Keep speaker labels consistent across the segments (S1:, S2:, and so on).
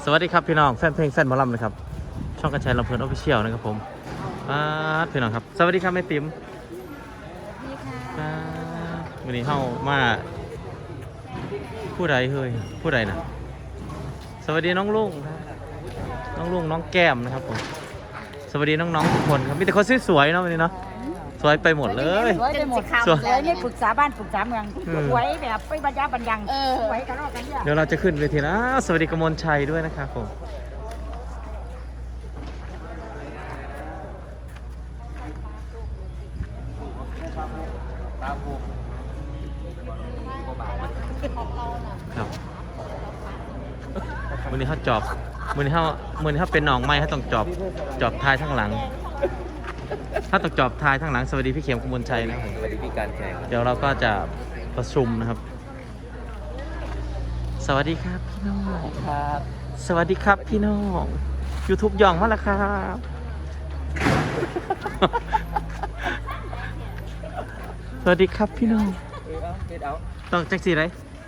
S1: สวัสดีครับพี่น้องแฟนเพลงแฟนหมอลำนะครับช่องกระชายลำเพลินออฟฟิเชียลนะครับผมพี่น้องครับสวัสดีครับแม่ติ๋มวันนี้เข้ามาผู้ใดเฮ้ยผู้ใดนะสวัสดีน้องลุงน้องแก้มนะครับผมสวัสดีน้องๆทุกคนครับมีแต่คนสวยๆเนาะวันนี้เนาะสวยไปหมดเลย
S2: สวยไปหมดสวยนี่ปรึกษาบ้านปรึกษาเมืองสวยแบบไปบรรยาบรรยังสวยกันรอกกันเนี่ย
S1: เดี๋ยวเราจะขึ้นเวทีนะสวัสดีกมลชัยด้วยนะครับผมครับวันนี้เขาจอบวันนี้เขาเป็นหนองไม้เขาต้องจอบท้ายทั้งหลังถ้าต้องจอบท้ายทั้งหลังสวัสดีพี่เข็มกมลชัยนะครับ
S3: สวัสดีพี่การแข่ง
S1: เดี๋ยวเราก็จะประชุมนะครับสวัสดีครับพี่น้อง
S3: ครับ
S1: สวัสดีครับพี่น้อง YouTube ย่องมาแล้วครับ สวัสดีครับพี่น้องต้องแจ็คสีไร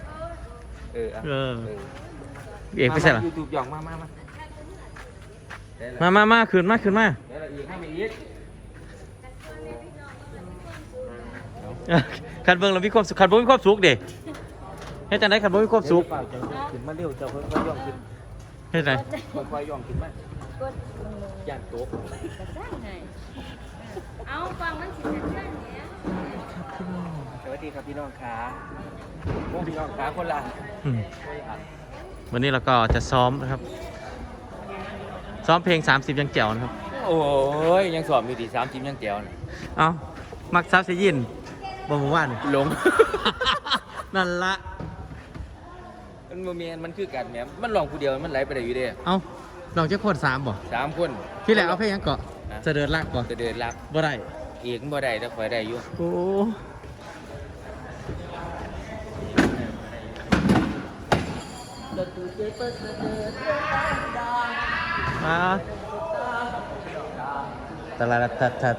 S1: เอกไปใส่หรอ
S3: YouTube ย่องมา
S1: ขึ้นมา
S3: เดี๋ยวเราอีกให้มาอีก
S1: ขันเบิ้งเรามีความสุขขันเบิ้งมีความสุขเด็เฮ็ดจังไดขันเบิ้งมีความสุข
S3: ขึ้นมาเร็วเจ้าเพิ่งค่อยย่องขึ้น
S1: เฮ็ดไง
S3: ค่อยย่องขึ้นมาย่านโต๊ะ
S2: เอาฟังมันสิจะได้เนี่ย
S3: สวัสดีครับพี่น้องขาพวกพี่น้องขาคนละ
S1: วันนี้เราก็จะซ้อมนะครับซ้อมเพลง30ยังแจ๋วนะครับ
S3: โอ้ยยังสอบอยู่ดี30ยังแจ๋ว
S1: เอ้ามักซับเสียยินบ่หมู่บ้าน
S3: หลง
S1: นั่นละ
S3: มันโมเมนมันคือกันแหมมันลองผู้เดียวมันไหลไปได้อยู่เด้
S1: เอ้าลองจะคน3บ่
S3: 3คน
S1: พี่แหละเอาเพลงยังเกาะจะเดินลักบ่
S3: จะเดินลัก
S1: บ่ได้
S3: อีกบ่ได้แต่ข่อยได้อยู่
S1: โอ้มาตลาดทัด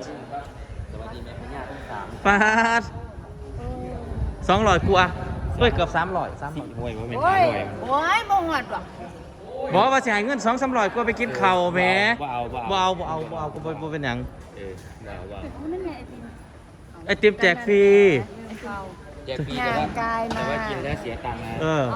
S1: ปาด200กว่าเฮ้ยเกือบ300
S3: โอ้ยบ่แม่น
S2: โอ้ยบ่หอดหรอก
S1: บอกว่าสิให้เงิน200-300กว่าไปกินข้าวแหม
S3: บ่เอา
S1: ก็บ่เป็นหยัง
S3: นั่นไง
S1: ไอติมแจกฟรี
S3: แจกฟรีแต่ว่ากินแล้วเสียตังค์นะ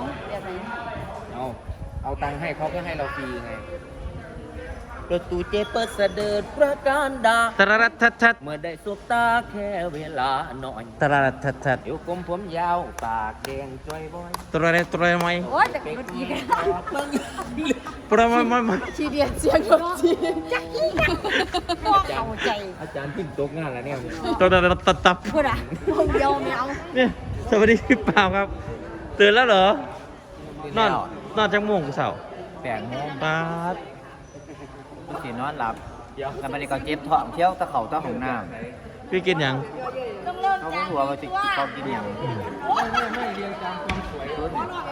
S3: เอาตังค์ให้เขาก็ให้เราฟรีไงประตูเจเปิดเสด็จประการดา
S1: ตระรัดทัด
S3: เมื่อได้สบตาแค่เวลาหน่อย
S1: ตระรัดทัด
S3: อยู่กลมผมยาวปากแดงจ้อยบอย
S1: ตระไหม
S2: โอ้ยแต่ก็ดีกัน
S1: ตระไหม
S2: ชีเดียนเสียงแบบจีจักกี้พ่อเข้าใจ
S3: อาจารย์พิมพ์ตกงานแล้วเนี่ย
S1: ตระรัดตับ
S2: พูดอ่ะพงเดียวแมว
S1: เนี่ยสวัสดีพี่ป่าวครับตื่นแล้วเหรอนอนจังม่วงกูเสา
S3: 8 โมง
S1: ปาด
S3: สินอนหลับแล้วมันก็เก็บท้องเที่ยวตะเข่าตะของน้
S1: ำพี่กินยัง
S3: เขาก็หัวเขาจะเขากินอย่างไม่เรียงตามความสวยขึ้น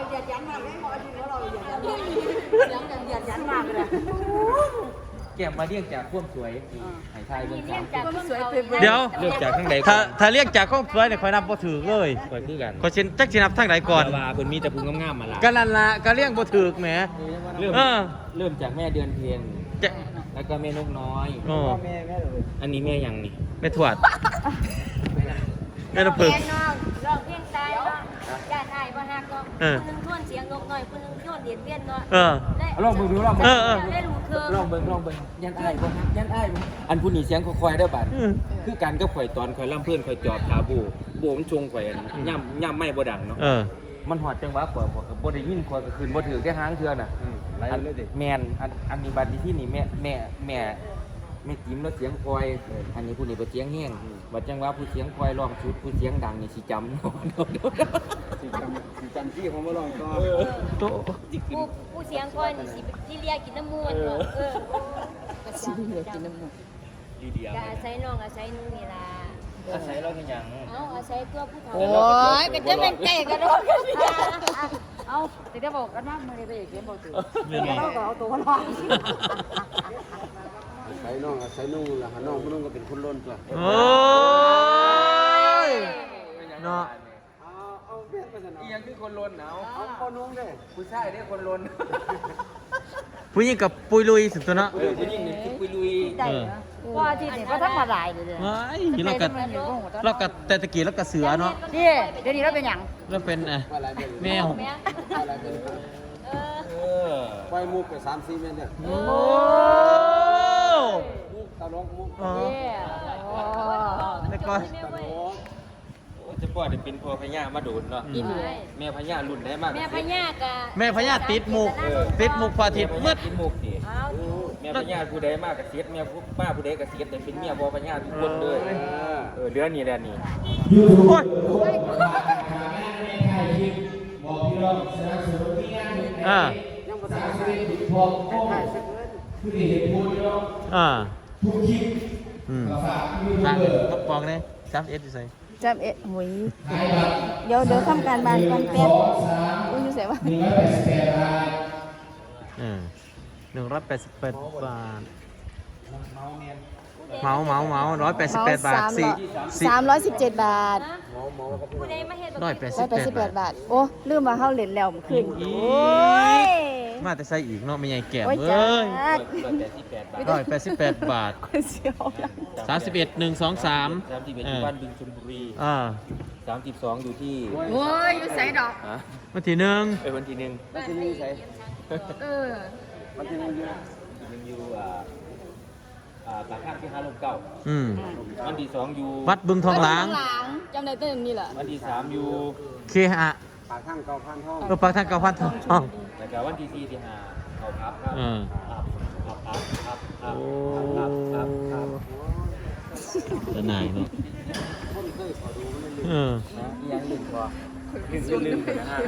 S3: แก้มมาเรียกจากความสวยหายไทยเรื่อง
S1: เดี๋ยว
S3: เรียกจากข้างใด
S1: ถ้าเรียกจากความสวยเนี่ยคอยนับบ่ถือเลย
S3: คอยคือกัน
S1: คอยจักสินับทั้งไหนก่อน
S3: ว่าเพิ่นมีแต่พุงงามๆมาละ
S1: ก็นั่นละก็เรียกบ่ถือแหม
S3: เริ่มจากแม่เดือนเพ็ญแล้วก็แม่นกน้อยอันนี้แม่ยังนี่
S1: แม่ถวดแม่ตะพึก
S2: ร้องเพลงตายบ้างญาติไทยบ้างฮะก็คนนึงท่วนเสียงนกน้อยคนนึงท่วนเดียดเบี้ยนน้อย
S3: ลองเบิ่งดู
S1: ลองเ
S3: บิ่งยันอ้ายบ่ฮะยันอ้ายอันผู้นี้เสียงค่อยๆเด้อบัดคือกันกับข่อยตอนข่อยลำเพิ่นข่อยจอบขาบูมันชงข่อยย่ำไม่บ่ดังเนาะมันหอดจังหวะข่อยบ่ได้ยินข่อยก็คืนบ่ถือแค่หางเทื่อน่ะแม่นอันนี้บัดที่นี่แม่จิ้มแล้วเสียงคอยอันนี้ผู้นี้บ่เสียงแห้งบัดจังหวะผู้เสียงคอยร้องชุดผู้เสียงดังนี่สิจำ
S4: จำที่ของมาลองก็
S2: ผู้เสียงคอยนี่สิที่เรียกกินน้ำมูลก็สิเรียกกินน้ำมูล
S3: ดีๆ
S2: อาศัยน้องอาศัยนุ่งนี่ล่ะ
S3: อาศัยเราเป็นหยัง
S2: อาศัยตัวผู้เฒ่าโอ้ยก็จะเป็นเตะกันโดนกันเอาแต่ได้บอกกันว่ามื้อนี้ไปเกมบ่ถือเราก็เอาตัวรอด
S4: ใส่น้องใส่นุ่งล่ะน้องนุ่งก็เป็นคนล้นตัว
S1: โอ้ยเนาะ
S3: อีหยังคือคนล้นเอา
S4: คนนุ่งเด้
S3: ผู้ชายเด้คนล้น
S1: ผู้หญิงกับปุยลุยสุดตัวเนาะ
S3: ผู้หญิงนี่คือคุยลุย
S2: ได้เหรอว่าที่นี่ก็ธรรมดาเลย
S1: ว้ายเรากัแต่ตะกี้เรากัเสือเนาะ
S2: นี่เดี๋ยวนี้เราเป็นหยัง
S1: เราเป็นแมว
S4: ปล่อยมุกไป3-4เมตรเนี่ย
S1: โอ้
S4: มุกตลกมุก
S1: อ๋อแต่ก่อน
S4: ตลก
S3: จะปล่อยได้เป็นพ่อพญามาโดนเนาะแม่พญารุ่นได้มาก
S2: แม่พญากะ
S1: แม่พญาติดมุกพอทิพย์มืด
S3: กินมุกนี่แม่พญาผู้ใดมากกับเสียดแม่ป้าผู้ใดกับเสียดแต่เป็นเมียพ่อพญาทุกคนเลยเดือนนี้แหละนี่
S1: โอ้ยอ่าก็ปองเลย3Sอยู่ใส่
S5: จำหุยเดี๋ยวทำการบ้านก่อนแป๊บอุ้ยอยู่ใส่ว่า
S1: 188 บาทเมา188 บาท
S5: 317 บาท
S1: 188
S5: บาท โอ้ลืมมาเข้าเหรียญแล้วมันขึ้น
S1: โอ้
S5: โอ้ย
S1: มาแต่ใส่อีกเนาะไม่ใหญ่แก่ม
S5: โอ้ย
S1: เอ้
S5: จ้าย
S3: 188 บาท
S1: 188 บาท
S5: คนเสียว
S1: 31 1 2 3
S3: 31อยู่บ้านบึงชลบุรี 32อยู่ที่
S2: โอ้ยอยู่ใส่ดอก
S1: วันที่หนึ่ง
S3: วันที่หนึ่ง
S4: มันที่นี่ใส่ มันที่นี่อยู่
S3: อยู่ปากข้างที่5 ลมเก่า วันที่2อยู่
S1: วัดบึงทองหลาง
S5: จำได้ตั้งนี่แหละ
S3: วันที่3อยู่
S1: เคหะ
S4: ปากข้างเก่าพันห้อง
S1: ปากทางเก้าพันทอง
S3: แล้วก็วันที่4ที่5เขาพับครับ
S1: โอ้จะไหนเนาะ
S3: ยังลืมพอลืมนะฮะ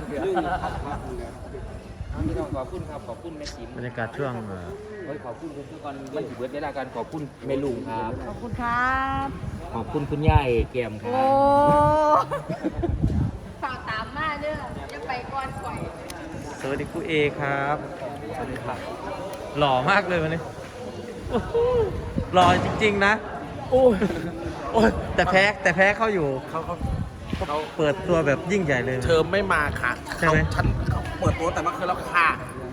S3: ไม่ต้องขอบคุณครับขอบคุณแม่จิ๋ม
S1: บรรยากาศช่วง
S3: ขอบคุณทุกคนมันถือเบิร์ดเวลาการขอบคุณแม่ลุงครับ
S5: ขอบคุณครับ
S3: ขอบคุณคุณยายแก้มครั
S5: โอ้
S3: บ
S2: ฝากตามมาเด้อจะไปก่อนปล่อย
S1: สวัสดีครูเอครับสวัสดีครับหล่อมากเลยวันนี้โอ้โหหล่อจริงๆนะโอ้ยแต่แพ้เขาอยู่เขาเปิดตัวแบบยิ่งใหญ่เลย
S6: เธอไม่มาค่ะ
S1: ใช่ไหม
S6: ฉันเปิดตัวแต่เมื่อคืนแล้วค่ะ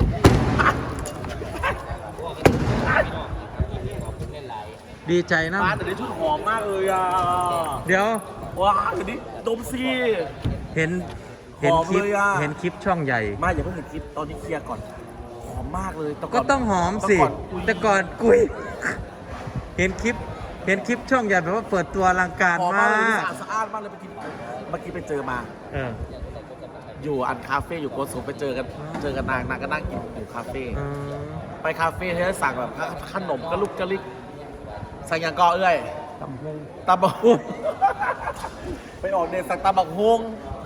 S1: ดีใจนะ
S6: บ้านเดี๋ยวนี้ชุดหอมมากเลยอ่ะ
S1: เดี๋ยว
S6: ว้าวเดี๋ยวนี้ดมซี
S1: เห็น
S6: หอม
S1: คลิป
S6: เลยอะ
S1: เห็นคลิปช่องใหญ่
S6: มาอย่าเพิ่งเห็นคลิปตอนนี้เคลียร์ก่อน หอมมากเลยแต่
S1: ก็ต้องหอมสิ แต่ก่อนกุยเห็นคลิปช่องใหญ่แบบว่าเปิดตัวอลังการ
S6: หอม
S1: มาม
S6: ากเลย
S1: ก
S6: สะอาดมากเลยเมื่อกี้ไปเจอมา
S1: เออ
S6: อยู่อันคาเฟ่อยู่โกสุมไปเจอกันนางก็นั่งกินอยู่คาเฟ่
S1: อืม
S6: ไปคาเฟ่ที่ได้สั่งแบบขนมกระลุกกระลิกสั่งอย่างก็เอ้ยตำบักฮงไปออกเดทสั่งตำบักฮง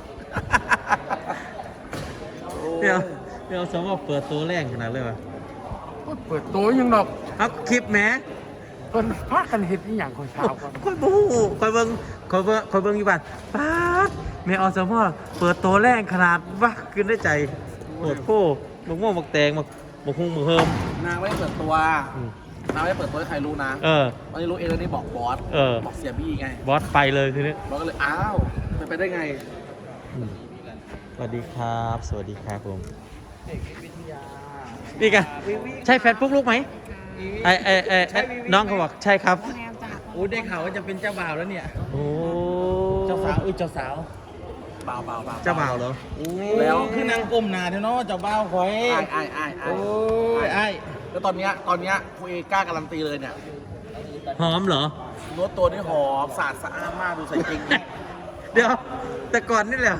S1: เดี๋ยวสมมติเปิดตัวแรงขนาดเลยวะ
S7: เปิดตัวยังดอก
S1: เอาคลิปแหม
S7: เพิ่นพากันเฮ็ดอีหยังคนเช้าก่อน
S1: คอยบูคอยเบิ่งอยู่บ้านป๊าดแม่อสมอเปิดตัวแรงขนาดว่าขึ้นได้ใจโหดโค้บักม่วงบักแตงบักฮุ้งบักเฮิม
S6: นางไม่ได้เปิดตัว นางไม่ได้เปิดตัวให้ใครรู้นะ
S1: เออ
S6: ตอนนี้รู้เองแล้วนี่บอกบอส บอกเสียบี้ไง
S1: บอสไปเลยทีนี้
S6: บอสก็เลย อ้าวเป็นไปได้ไง
S1: สวัสดีครับ สวัสดีครับผมนี่กันใช่แฟนปุ๊กลุกไหมน้องเขาบอกใช่ครับ
S3: โอ้ได้ข่าวว่าจะเป็นเจ้าบ่าวแล้วเนี่ย
S1: โอ้
S3: เจ้าสาวเจ้าสาว
S6: เบา
S1: เจ้าบ่าวเหรอ
S6: แล้ว
S3: คือนางก้มหน้าเถอะเนาะเจ้าบ่าวคอย
S6: โอ้ยไอ้แล้วตอนเนี้ยครูเอกล้าการันตีเลยเนี่ย
S1: หอมเหรอ
S6: รถตัวนี้หอมสะอาดมากดูใส่จริง
S1: เดี๋ยว แต่ก่อนนี่แหละ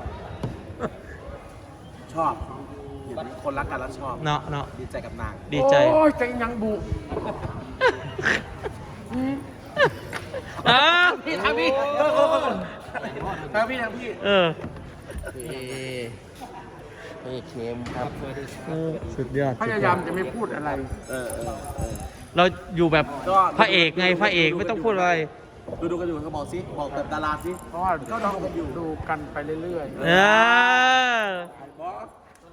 S6: ชอบเห็นคนรักกันแล้วชอบ
S1: เนาะ
S6: ดีใจกับนาง
S1: ดีใจ
S7: โอ้ยใจยังบุ
S6: พี่ทำพี่ทำพี่
S1: เออ
S6: นี่เค็มครับ
S1: สุดยอด
S7: พยายามจะไม่พูดอะไร
S1: เราอยู่แบบ
S6: ก็
S1: พระเอกไงพระเอกไม่ต้องพูดอะไร
S6: ดูกันอยู่เขาบอกสิบอกแบบดาราสิ
S7: เพราะว่าต้องดูกันไปเรื่อย
S1: เออ
S6: บอส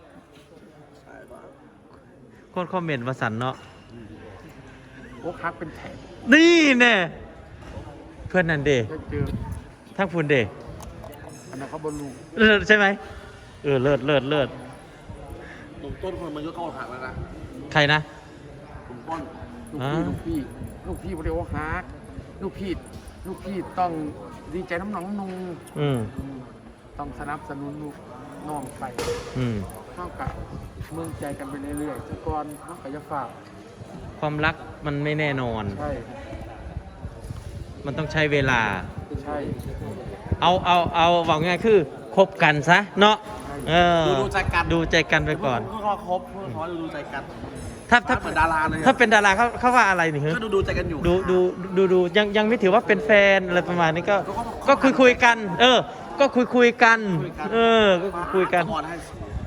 S1: คนคอมเมนต์มาสั่นเนาะ
S7: ๆโอ้คักเป็นแถบ
S1: นี่แน่เพื่อนนันเด
S7: จะเจอ
S1: ทั้งพูนเด
S7: อันนั้นเขาบอลลูน
S1: เลิศใช่ไหมเลิศ
S6: ต้นคนมันก็เข้าหักแล้วนะ
S1: ใครนะ
S6: ผมป้อน
S7: ลูกพี่บริโอฮาร์ดลูกพี่ต้องดีใจน้ำหนองนู
S1: อืม
S7: ต้องสนับสนุนลูกน้องไป
S1: อืม
S7: เท่ากับเมืองใจกันไปเรื่อยๆแต่ก่อนน้องก็จะฝาก
S1: ความรักมันไม่แน่นอน
S7: ใช่
S1: มันต้องใช้เวลา
S7: ใช่
S1: เอาบอกง่ายคือคบกันซะเนาะเออ
S6: ดูใจกัน
S1: ดูใจกันไปก่อน
S6: เพื่อครบเพื่อขอดูใจกัน
S1: ถ้า
S6: เหมือนดาราเลย
S1: ถ้าเป็นดาราเขาว่าอะไรนี่ฮะ
S6: ก็ดูใจกันอยู่
S1: ดูยังไม่ถือว่าเป็นแฟนอะไรประมาณนี้ก็คุยกัน เออ ก็คุยกัน เออก็คุยกัน
S6: อ่อนให้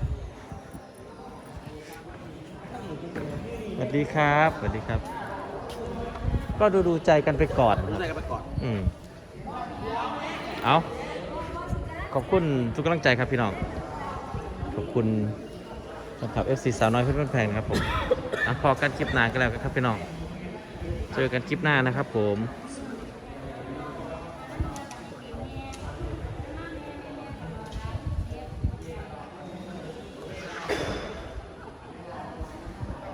S1: สวัสดีครับสวัสดีครับ ก็ดูใจกันไปก่อน
S6: ดูใจกันไปก่อน
S1: อืมเอาขอบคุณทุกกำลังใจครับพี่น้อง ขอบคุณสำหรับ FC สาวน้อยเพื่อนแพงนะครับผมพอกันคลิปหน้ากันแล้วครับพี่น้อง เจอกันคลิปหน้านะครับผม